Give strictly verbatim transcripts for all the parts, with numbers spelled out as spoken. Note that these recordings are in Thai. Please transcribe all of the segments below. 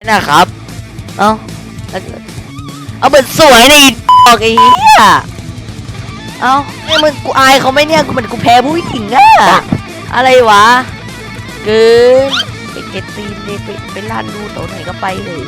นะครับเอาเอาเหมือนสวยเลยบอกไอ้เหี้ยเอาเนี่ยมึงกูอายเขาไหมเนี่ยกูเหมือนกูแพ้ผู้หญิงอะอะไรวะเกินไปเก็ตตีนเลยไปไปลานดูตัวไหนก็ไปเลย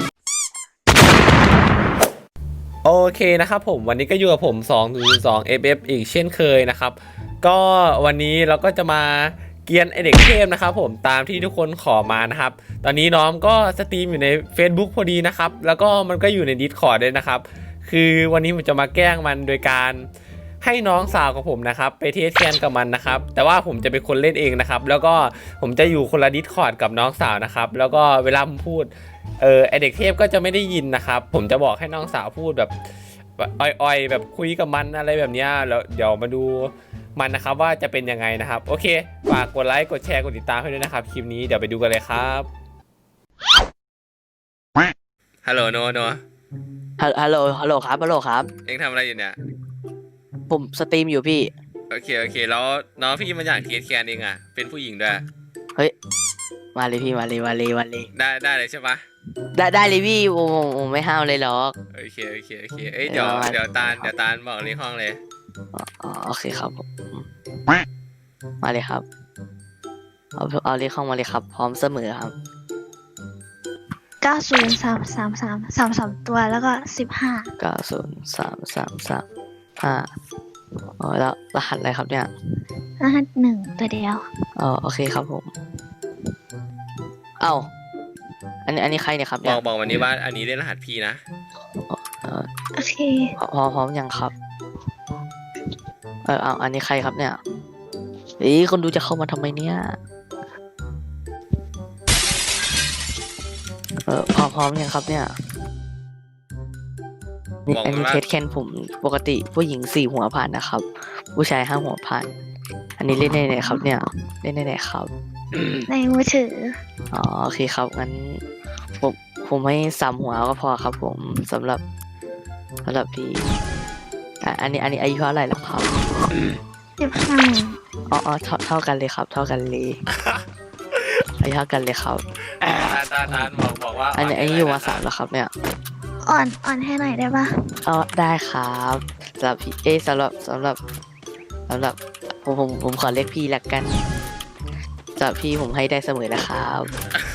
โอเคนะครับผมวันนี้ก็อยู่กับผมสองสอง เอฟ เอฟ อีกเช่นเคยนะครับก็วันนี้เราก็จะมาเกียนไอเด็กเทพนะครับผมตามที่ทุกคนขอมานะครับตอนนี้น้องก็สตรีมอยู่ใน Facebook พอดีนะครับแล้วก็มันก็อยู่ใน Discord ด้วยนะครับคือวันนี้ผมจะมาแกล้งมันโดยการให้น้องสาวของผมนะครับไปเทสแคนกับมันนะครับแต่ว่าผมจะเป็นคนเล่นเองนะครับแล้วก็ผมจะอยู่คนละ Discord กับน้องสาวนะครับแล้วก็เวลาผมพูดเออไอเด็กเทพก็จะไม่ได้ยินนะครับผมจะบอกให้น้องสาวพูดแบบอ่อยๆแบบคุยกับมันอะไรแบบนี้แล้วเดี๋ยวมาดูมันนะครับว่าจะเป็นยังไงนะครับโอเคฝากกดไลค์กดแชร์กดติดตามให้ด้วยนะครับคลิปนี้เดี๋ยวไปดูกันเลยครับฮัลโหลโนโนฮัลโหลฮัลโหลครับฮัลโหลครับเอ็งทำอะไรอยู่เนี่ยผมสตรีมอยู่พี่โอเคโอเคแล้วน้องพี่มันอยากเทสแคนเองอ่ะเป็นผู้หญิงด้วยเฮ้ยมาเลยพี่มาเลยมาเลยมาเลยได้ได้เลยใช่ปะได้ได้เลยพี่โอ้โหไม่ห้าวเลยหรอกโอเคโอเคโอเคเอ้ยเดี๋ยวเดี๋ยวตาลเดี๋ยวตาลบอกเลขห้องเลยอ๋อโอเคครับผมมาเลยครับเอาเอาเลขห้องมาเลยครับพร้อมเสมอครับเก้าศูนย์สามสามสามสามสามตัวแล้วก็สิบห้าเก้าศูนย์สามสามสามห้าอ๋อแล้วรหัสอะไรครับเนี่ยรหัสหนึ่งตัวเดียวอ๋อโอเคครับผมเอ้าอันนี้อันนี้ใครเนี่ยครับบอกบอกวันนี้ว่าอันนี้เล่นรหัสพี่นะโอเคพร้อมพร้อมยังครับเออเอาอันนี้ใครครับเนี่ยเอ้ยคนดูจะเข้ามาทำไมเนี่ยเออพร้อมพร้อมยังครับเนี่ยอันนี้เทสแคนผมปกติผู้หญิงสี่หัวผ่านนะครับผู้ชายห้าหัวผ่านอันนี้เล่นได้ไหนครับเนี่ยเล่นได้ไหนครับในมือถืออ๋อโอเคครับงั้นผมผมให้สามหัวก็พอครับผมสำหรับสำหรับพี่อันนี้อันนี้อายุเท่าไหร่แล้วครับสิบห้าอ๋ออ๋อเท่าเท่ากันเลยครับเท่ากันเลยอายุเท่ากันเลยครับตาตาตาบอกบอกว่าอันนี้อันนี้อยู่มาสามแล้วครับเนี่ยอ่อนอ่อนให้หน่อยได้ปะอ๋อได้ครับสำหรับพี่เอสำหรับสำหรับสำหรับผมผมผมขอเรียกพี่ละกันสำหรับพี่ผมให้ได้เสมอนะครับ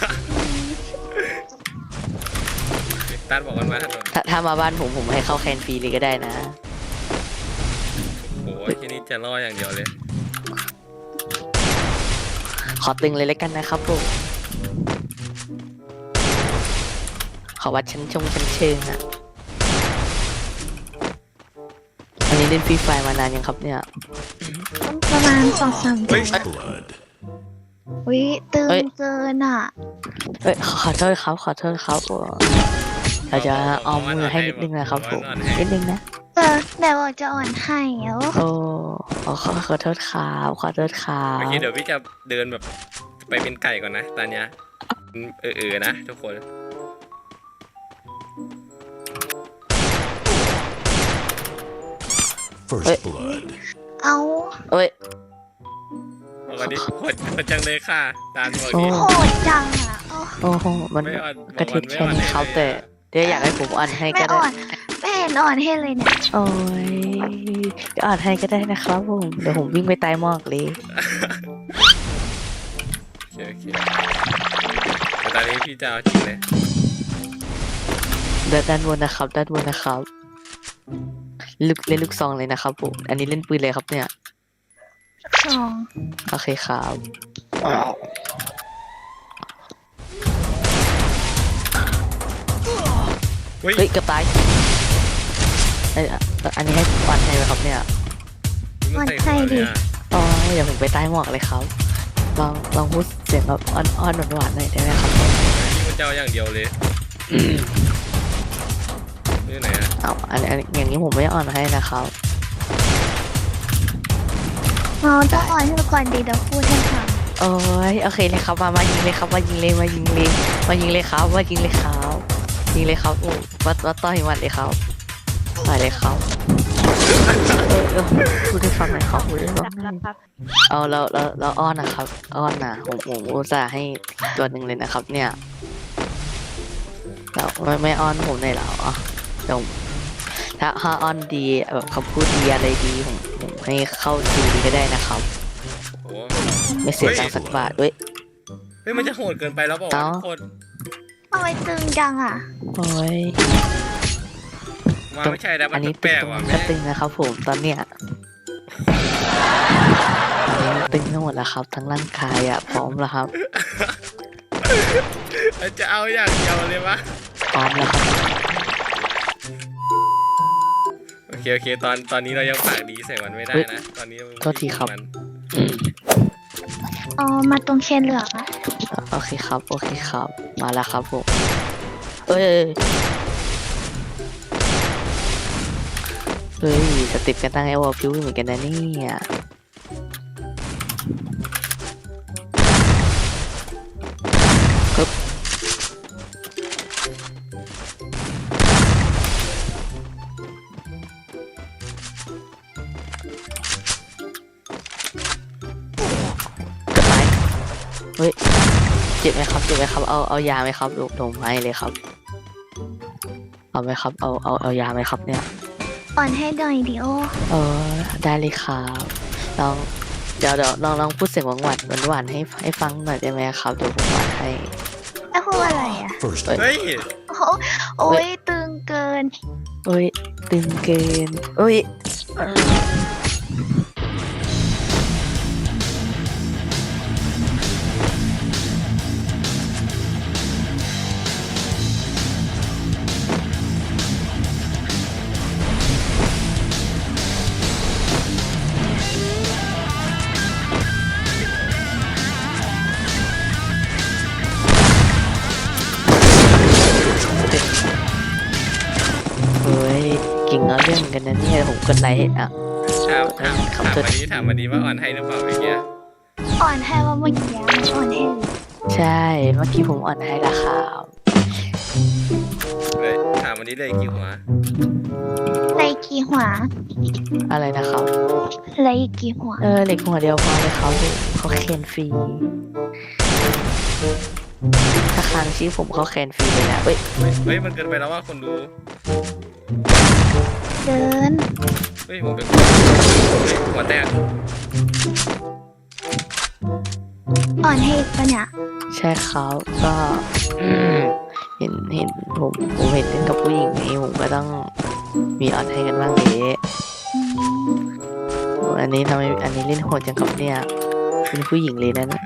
ตาบอกกันมาถ้าถ้ามาบ้านผมผมให้เข้าแคนฟรีเลยก็ได้นะโอ้ยที่นี่จะล่ออย่างเดียวเลยขอตึงเลยแล้วกันนะครับผมขอวัดชั้นชงชั้นเชิงอ่ะอันนี้เล่นฟรีไฟมานานยังครับเนี่ยประมาณสองสามเดือนวิตึงเกินอ่ะเอ้ยขอโทษครับขอโทษครับเราจะเอามือให้นิดนึงนะครับผมนิดนึงนะเออเดี๋ยวจะอ่อนให้แล้วโอ้ขอขอโทษครับขอโทษครับโอเคเดี๋ยวพี่จะเดินแบบไปเป็นไก่ก่อนนะตอนเนี้ยเออเออนะทุกคนเฮ้ยเอาเอ้ยวันนี้โหดโหดจังเลยค่ะตาลบอกนี้โหดจังอ่ะโอ้โหมันกระทิดแค่นี้เขาแต่เดี๋ยวอยากให้ผมอ่อนให้ก็ได้ไม่เห็นอ่อนให้เลยเนี่ยโอ้ยเดี๋ยวอ่อนให้ก็ได้นะครับผมเดี๋ยวผมวิ่งไปตายหมอกเลยโอเคแต่ตอนนี้พี่จะเอาจริงเลยด้านบนนะครับด้านบนนะครับลูกเล่นลูกซองเลยนะครับผมอันนี้เล่นปืนเลยครับเนี่ยซองโอเคครับเฮ้ยกระต่ายอันนี้ให้ปันให้ไหมครับเนี่ยปันให้ดิอ๋อเดี๋ยวผมไปใต้หมอกเลยครับลองลองพูดเสียงแบบอ่อนๆหวานๆหน่อยได้ไหมครับนี่มันเจ้าอย่างเดียวเลยนี่ไหนอ่ะเอาอันนี้อย่างนี้ผมไม่อ่อนให้นะครับเราต้องอ่อนให้ก่อนดีเดี๋ยวพูดให้ฟังโอ้ยโอเคเลยครับมามายิงเลยครับมายิงเลยมายิงเลยมายิงเลยครับมายิงเลยครับยิงเลยครับวัดวัดต่อยมันเลยครับต่อยเลยครับพูดให้ฟังหน่อยครับพูดให้ฟังหน่อยเอาเราเราเราอ้อนนะครับอ้อนนะผมผมอุตส่าห์ให้ตัวหนึ่งเลยนะครับเนี่ยเดี๋ยวไม่ไม่อ้อนผมเลยเหรอเดี๋ยวถ้าถ้าอ้อนดีแบบคำพูดดีอะไรดีผมผมให้เข้าดูดีก็ได้นะครับโอ้ไม่เสียตังค์สักบาทด้วยเฮ้ยมันจะโหดเกินไปแล้วเปล่าวะเอ้าทุกคนทำไมตึงจังอ่ะโอ้ยมาไม่ใช่แล้วมัอันนนี้แปตึลงกตรงๆว่ะนี้แม่ก็ตึงนะครับผมตอนเนี้ยอันนี้ตึงทั้งหมดแล้วครับ ทั้งร่างกายอ่ะพร้อมแล้วครับจะเอาอย่างเดียวเลยวะพร้อมแล้วครับโอเคโอเคตอนตอนนี้เรายังปากดีใส่มันไม่ได้นะตอนนี้โทษทีครับมันอ๋อ มาตรงเชนเหลืองอะโอเคครับโอเคครับ มาแล้วครับผมเอ้ยเฮ้ยสติปกันตั้งไอวอลพิวเหมือนกันนะเนี่ยปึ๊บกดไม้เฮ้ยเจ็บไหมครับเจ็บไหมครับเอาเอายาไหมครับลงลงไม้เลยครับเอาไหมครับเอาเอาเอายาไหมครับเนี่ยอ่อนให้หน่อยดิโอเออได้เลยครับลองเดี๋ยวเดี๋ยวลองลองพูดเสียงหวานหวานหวานๆให้ให้ฟังหน่อยได้ไหมครับเดี๋ยวผมหวานให้แล้วพูดอะไรอ่ะเฮ้ยโอ้โหโอ้ยตึงเกินเอ้ยตึงเกินเอ้ยเออเฮ้ยเก่งเอาเรื่องกันนะเนี่ยผมกดไลค์ให้อ่ะถามถามครับถามวันนี้ถามวันนี้ว่าอ่อนให้หรือเปล่าเมื่อกี้อ่อนให้ว่าเมื่อกี้มันอ่อนให้เลยใช่เมื่อกี้ผมอ่อนให้ละครับเลยถามวันนี้เลยกี่หัวไรกี่หัวอะไรนะครับไรกี่หัวเออเหล็กหัวเดียวพอเลยครับเขาเคนฟรีถ้าค้างชื่อผมเขาแคนฟรีเลยนะเอ้ยเฮ้ยเฮ้ยมันเกินไปแล้วว่าคนดูเดินเฮ้ยผมเป็นคนเฮ้ยหัวแตกอ่อนให้อีกปะเนี่ยใช่ครับก็อืมเห็นเห็นผมผมเห็นเล่นกับผู้หญิงนี้ผมก็ต้องมีออนให้กันบ้างเดะอืมอันนี้ทำไมอันนี้เล่นโหดจังครับเนี่ยเป็นผู้หญิงเลยนะนะ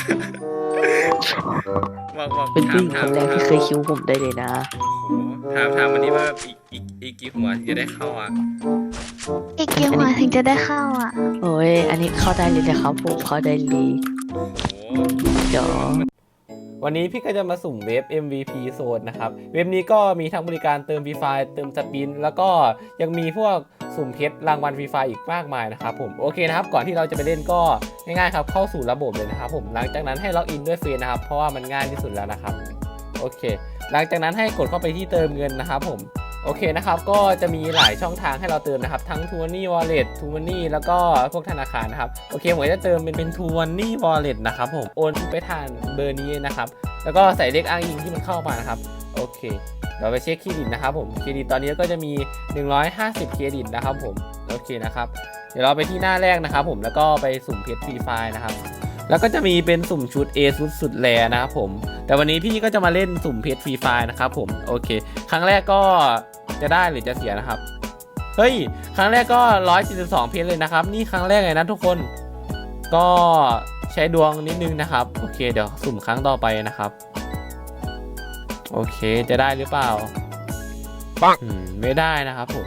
บอกบอกเป็นผู้หญิงคถามนแรกถามที่เคยคิ้วผมได้เลยนะโอ้โหถามถามวันนี้ว่าอีกอีกอีกกี่หัวที่จะได้เข้าอ่ะอีกกี่หัวถึงจะได้เข้าอ่ะโอ้ยอันนี้เข้าได้เลยนะครับผมเข้าได้เลยโอ้โหเดี๋ยววันนี้พี่ก็จะมาสุ่มเว็บ เอ็ม วี พี Zone นะครับ เว็บนี้ก็มีทั้งบริการเติม Free Fire เติมสปิน แล้วก็ยังมีพวกสุ่มเพชรรางวัล Free Fire อีกมากมายนะครับผม โอเคนะครับ ก่อนที่เราจะไปเล่นก็ง่ายๆครับ เข้าสู่ระบบเลยนะครับผม หลังจากนั้นให้ล็อกอินด้วยเฟซนะครับ เพราะว่ามันง่ายที่สุดแล้วนะครับ โอเค หลังจากนั้นให้กดเข้าไปที่เติมเงินนะครับผม โอเคนะครับ ก็จะมีหลายช่องทางให้เราเติมนะครับ ทั้ง ทู มันนี่ Wallet ทู มันนี่ แล้วก็พวกธนาคารนะครับ โอเคผมจะเติมเป็นเป็น ทู มันนี่ Wallet นะครับผม โอนไปทางเบอร์นี้นะครับ แล้วก็ใส่เลขอ้างอิงที่มันเข้ามานะครับ โอเค เดี๋ยวไปเช็คเครดิตนะครับผม เครดิตตอนนี้ก็จะมีหนึ่งร้อยห้าสิบเครดิตนะครับผม โอเคนะครับ เดี๋ยวเราไปที่หน้าแรกนะครับผม แล้วก็ไปสุ่มเพชรฟรีไฟล์นะครับ แล้วก็จะมีเป็นสุ่มชุด A สุดสุดแรนะครับผม แต่วันนี้พี่ก็จะมาเล่นสุ่มเพชรฟรีไฟล์นะครับผม โอเค ครั้งแรกก็จะได้หรือจะเสียนะครับ เฮ้ย ครั้งแรกก็หนึ่งร้อยสี่สิบสองเพชรเลยนะครับ นี่ครั้งแรกเลยนะทุกคน ก็ใช้ดวงนิดนึงนะครับ โอเค เดี๋ยวสุ่มครั้งต่อไปนะครับ โอเค จะได้หรือเปล่าปังไม่ได้นะครับผม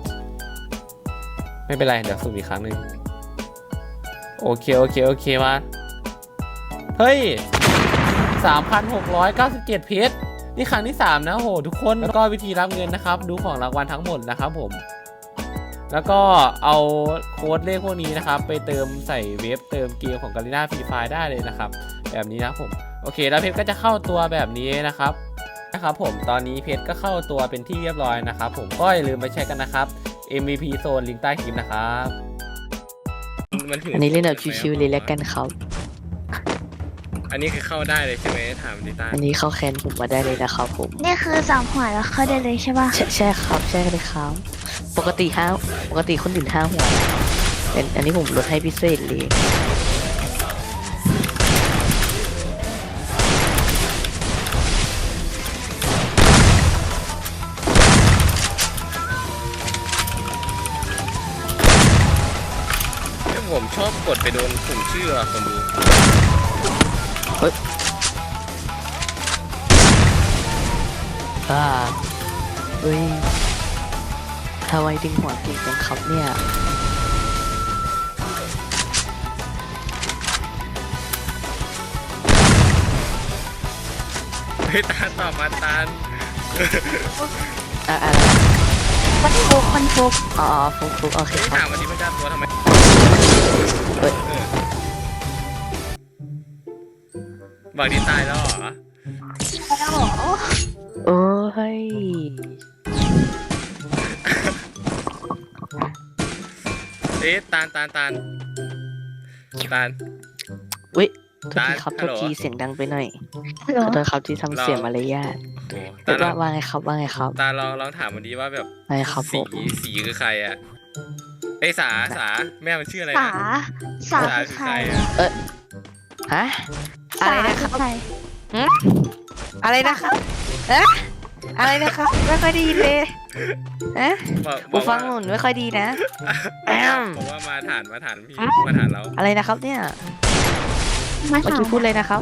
ไม่เป็นไร เดี๋ยวสุ่มอีกครั้งหนึ่งโอเค โอเค โอเค มา เฮ้ย สามพันหกร้อยเก้าสิบเจ็ด เพชร นี่ครั้งที่สามนะโหทุกคน แล้วก็วิธีรับเงินนะครับ ดูของรางวัลทั้งหมดนะครับผม แล้วก็เอาโค้ดเลขพวกนี้นะครับ ไปเติมใส่เว็บเติมเกมของ Garena Free Fire ได้เลยนะครับ แบบนี้นะผม โอเค แล้วเพชรก็จะเข้าตัวแบบนี้นะครับ นะครับผม ตอนนี้เพชรก็เข้าตัวเป็นที่เรียบร้อยนะครับผม ก็อย่าลืมไปใช้กันนะครับ เอ็ม วี พี Zone ลิงก์ใต้คลิปนะครับอันนี้เล่นแบบชิวๆเลยแล้วกันครับอันนี้คือเข้าได้เลยใช่ไหมถามดิต้าอันนี้เข้าแคนผมมาได้เลยนะครับผมนี่คือสามหัวแล้วเข้าได้เลยใช่ป่ะใช่ใช่ครับใช่เลยครับ ปกติห้าปกติคนอื่นห้าหัวแต่อันนี้ผมลดให้พิเศษเลยผมชอบกดไปโดนปุ่มชื่ออะคนดูเฮ้ยอ่าเฮ้ยทำไมดึงหัวเก่งจังครับเนี่ยเฮ้ยตาลตอบมาตาลอ่าอ่ามันฟุกมันฟุกอ๋อฟุกฟุกโอเคเฮ้ยครัถาบมวันนี้พระเจ้าตัวทำไมเฮ้ยเออบอกดีตายแล้วเหรอแล้วเหรอโอ้ยเอ๊ะตาลตาลตาลตาลเว้ยโทษทีครับฮัโทลษโหลทีเสียงดังไปหน่อยเหรขออโทษครับที่ทำเสียงมารยาทโอ้โหเฮ้ตาย ลว่าองว่าไงครับว่าไงครับตาลลองลองถามวันนี้ว่าแบบว่าไงครับผสีมสีคือใครอะไอยสาสาแม่มันชื่ออะไรสานะสาสาคือคือใคใครรอะฮะสาคือใครอะไรนะครับเอ๊ะอะไรนะครับไม่ค่อยดีเลยเอ๊ะบอกบหูอกฟัว่างหนุนไม่ค่อยดีนะ แอมบอกว่ามาฐานมาฐานพี่มาฐานเราอะไรนะครับเนี่ยมาเมื่อถามกี้พูดเลยนะครับ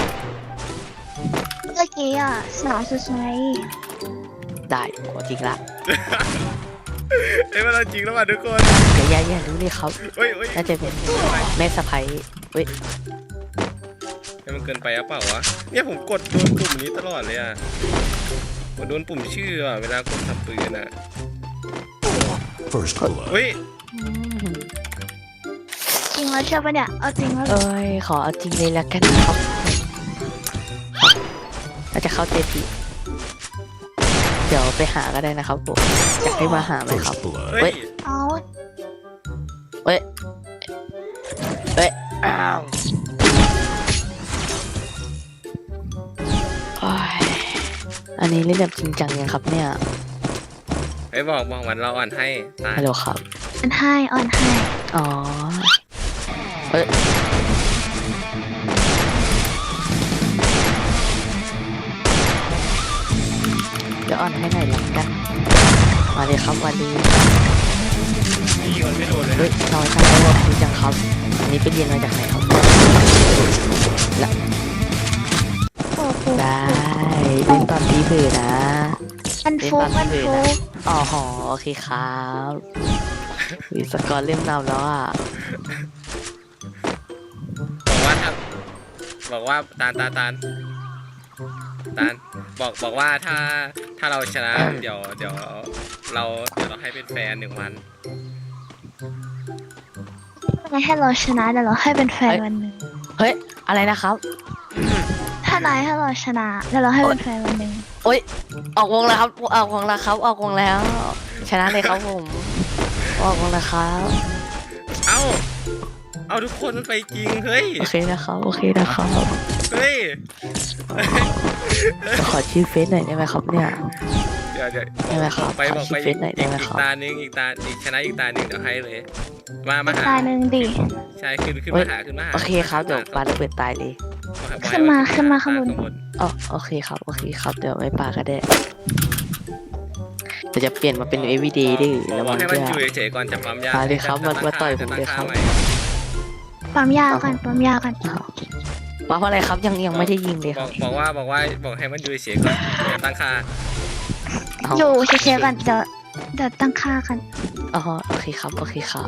เมื่อกี้อ่ะสาคือใครได้ขอจริงละเอ้ยมันเราจริงแล้วว่ะทุกคนอย่าอย่าอย่ารู้เลยครับเฮ้ยเฮ้ยน่าจะเป็นแม่สะใภ้เว้ยเฮ้ยมันเกินไปหรือเปล่าวะเนี่ยผมกดโดนปุ่มนี้ตลอดเลยอะกดโดนปุ่มชื่ออะเวลากดทำปืนอะ First blood. เฮ้ยอืมจริงแล้วใช่ปะเนี่ยเอาจริงแล้วเหรอเอ้ยขอเอาจริงเลยละกันครับครับเราจะเข้าใจผิดเดี๋ยวไปหาก็ได้นะครับผมอยากให้มาหาไหมครับ First blood. เฮ้ยเอาเฮ้ยเฮ้ยอ้าวโอ้ยอันนี้เล่นแบบจริงจังยังครับเนี่ยเฮ้ยบอกบอกวันเราอ่านให้ตาฮัลโหลครับอันให้อ่อนให้อ๋อ เฮ้ย เดี๋ยวอ่อนให้หน่อยละกัน มาเลยครับวันนี้พี่คนไม่โดนเลยเฮ้ยน้อยจังเลยว่าดีจังครับ อันนี้ไปเรียนมาจากไหนครับโอ้โหได้เล่นตอนตีเผือนะมันฟุกมันฟุกอ๋อหอโอเคครับวิสกอร์เล่มนำแล้วอ่ะบอกว่าถ้าบอกว่าตาลตาลตาลตาลบอกบอกว่าถ้าถ้าเราชนะเดี๋ยวเดี๋ยวเราเดี๋ยวเราให้เป็นแฟนหนึ่งวันไม่ให้เราชนะเดี๋ยวเราให้เป็นแฟนวันหนึ่งเฮ้ย อะไรนะครับถ้านายให้เราชนะเดี๋ยวเราให้เป็นแฟนวันหนึ่งโอ๊ย ออกวงแล้วครับ ออกวงแล้วครับ ออกวงแล้ว ชนะเลยครับผม ออกวงแล้วครับเอ้าเอาทุกคนมันไปจริงเฮ้ยโอเคนะครับ โอเคนะครับเฮ้ยขอชื่อเฟซหน่อยได้ไหมครับเนี่ยเดี๋ยวเดี๋ยวได้ไหมครับไปบอกขอไปชื่อเฟซหน่อยได้อีกไหมอีคกรับตาหนึ่งอีกตาอีกชนะอีกตาหนึ่งเดี๋ยวให้เลย มามาหาตายหนึ่งดิใช่ขึ้นขึ้นเฮ้ยมาหาขึ้นมาหาโอเคครับ เดี๋ยวปาระเบิดตายเลยขึ้นมาขึ้นมาข้างบนอ๋อโอเคครับ โอเคครับ เดี๋ยวไม่ปาก็ได้แต่จะเปลี่ยนมาเป็น everyday ดิบอแล้วกมันให้ก็มันอยู่เฉยๆก่อนจับความยากมาเลยครับมาจะมาต่อยจะผมเลยครับตั้งค่าใหม่ปั๊มยากันปั๊มยากันอ้าวว่าเพราะอะไรครับยังยังไม่ได้ยิงเลยบคอรักบบอกว่าบอกว่าบอกให้มันอยู่เฉยๆก่อนอย่าตั้งค่าเอาอยู่เฉยๆกันเดี๋ยวเดี๋ยวตั้งค่ากันอ๋อโอเคครับ โอเคครับ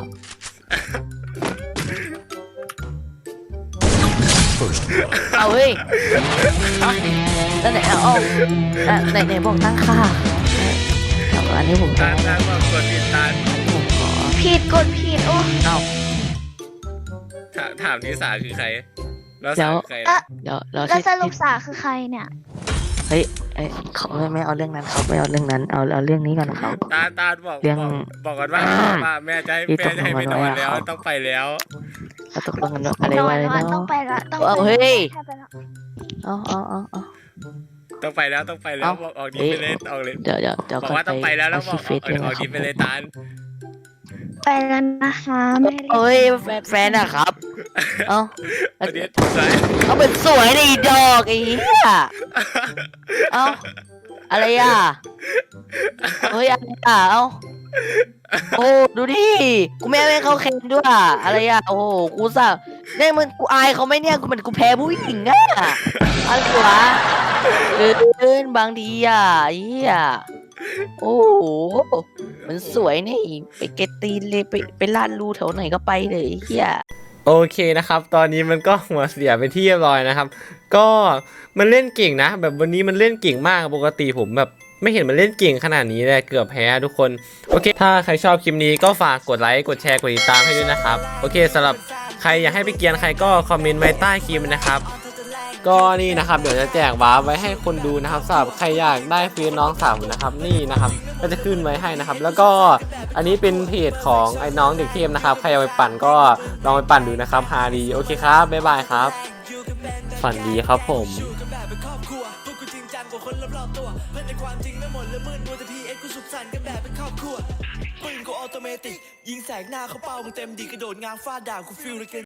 First blood. เอาเฮ้ยเอาแล้วไหนเอาเอาอ่ะไหนไหนบอกตั้งค่าเอาอันนี้ผมตาได้ตาบอกกดผิดตาผมขอผิดกดผิดโอ้เอาถามถามนิสาคือใครแล้วแล้สาว คือใครเอ๊ะเดี๋ยวเราแล้วที่สรุปสาคือใครเนี่ยเฮ้ยเอ้ยเขาไม่ไม่เอาเรื่องนั้นครับไม่เอาเรื่องนั้นเอาเอาเรื่องนี้ก่อนครับตาตาบอกเรื่องบอกบอกกันว่าอ่าว่าแม่จะให้ที่แม่จะให้ไปนอนตกลงกันไว้อะแล้วครับต้องไปแล้วเราตกลงกันว่าอะไรนอวะนอะไรนอนต้อเนาะงไปละต้องเอาไปเฮ้ยใช่ไปละเอาเอาเอาเอาต้องไปแล้วต้องไปแล้วเอ้าบอกออกดีเอ๊ะไปเลยออกเลยเดี๋ยวเดี๋ยวเดี๋ยวบอกว่าต้องไปแล้วแล้วบอกออกด้วยออกดีไปเลยตาลไปแล้วนะคะไม่รีบเอ้ยแฟนแฟนอะครับ เอาเอาดีสวยเอาเป็นสวยดิดอกไอ้เหี้ยเอาอะไรอ่ะเฮ้ยอะไรอ่ะเอาโอ้ดูดิกูไม่ให้เขาเค็มด้วยอะอะไรอ่ะโอ้โหกูสะเนี่ยมึงกูอายเขาไหมเนี่ยกูเหมือนกูแพ้ผู้หญิงอ่ะอะไรวะเกินบางทีอ่ะไอ้เหี้ยโอ้โหมันสวยนี่ไปเกตตีนเลยไปไปลาดรูแถวไหนก็ไปเลยไอ้เหี้ยโอเคนะครับ ตอนนี้มันก็หัวเสียไปที่เรียบร้อยนะครับ ก็มันเล่นเก่งนะ แบบวันนี้มันเล่นเก่งมากปกติผมแบบไม่เห็นมันเล่นเก่งขนาดนี้เลยเกือบแพ้ทุกคนโอเคถ้าใครชอบคลิปนี้ก็ฝากกดไลค์กดแชร์กดติดตามให้ด้วยนะครับโอเคสำหรับใครอยากให้ไปเกียนใครก็คอมเมนต์ไว้ใต้คลิปนะครับก็นี่นะครับเดี๋ยวจะแจกวาร์ปไว้ให้คนดูนะครับสำหรับใครอยากได้ฟรีน้องสาวนะครับนี่นะครับก็จะขึ้นไว้ให้นะครับแล้วก็อันนี้เป็นเพจของไอ้น้องเด็กเทพนะครับใครเอาไปปั่นก็ลองไปปั่นดูนะครับฮาดีโอเคครับบ๊ายบายครับฝันดีครับผมปืนกูออโตเมติกยิงแสกหน้าเขาเป้ามึงเต็มดีกระโดดง้างฟาดด่ากูฟิลเลย